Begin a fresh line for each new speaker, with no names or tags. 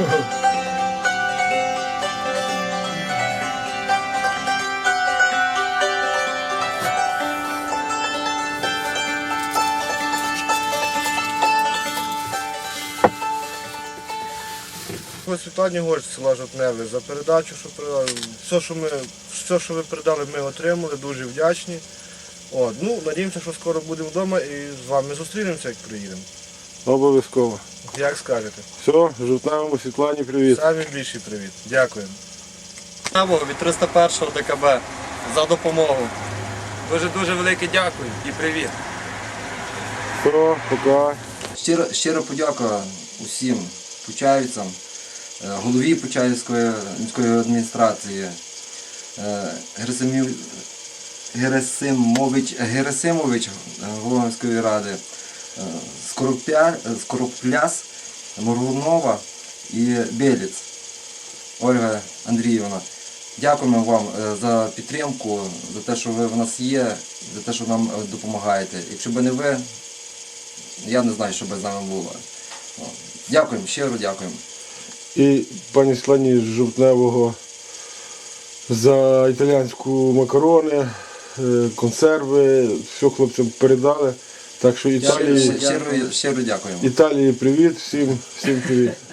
Світлані Горць, села Жовтневе, за передачу, що передали. Все, що ви передали, ми отримали, дуже вдячні. Надіємося, що скоро будемо вдома і з вами зустрінемося, як приїдемо.
Обов'язково.
Як скажете.
Все, Жовтневому Світлані привіт.
Самі більший привіт. Дякуємо.
Від 301 ДКБ за допомогу.
Дуже велике дякую і привіт.
Все, пока.
Щира подяка усім почаївцям, голові Почаївської міської адміністрації, Герасимович, голова міської ради, Скоропляс, Моргунова і Беліц Ольга Андріївна. Дякуємо вам за підтримку, за те, що ви в нас є, за те, що нам допомагаєте. Якщо б не ви, я не знаю, що б з нами було. Дякуємо, щиро дякуємо.
І пані Світлані з Жовтневого за італійську макарони, консерви, все хлопцям передали. Так що Італії
Щиро дякуємо.
Італії привіт, всім привіт.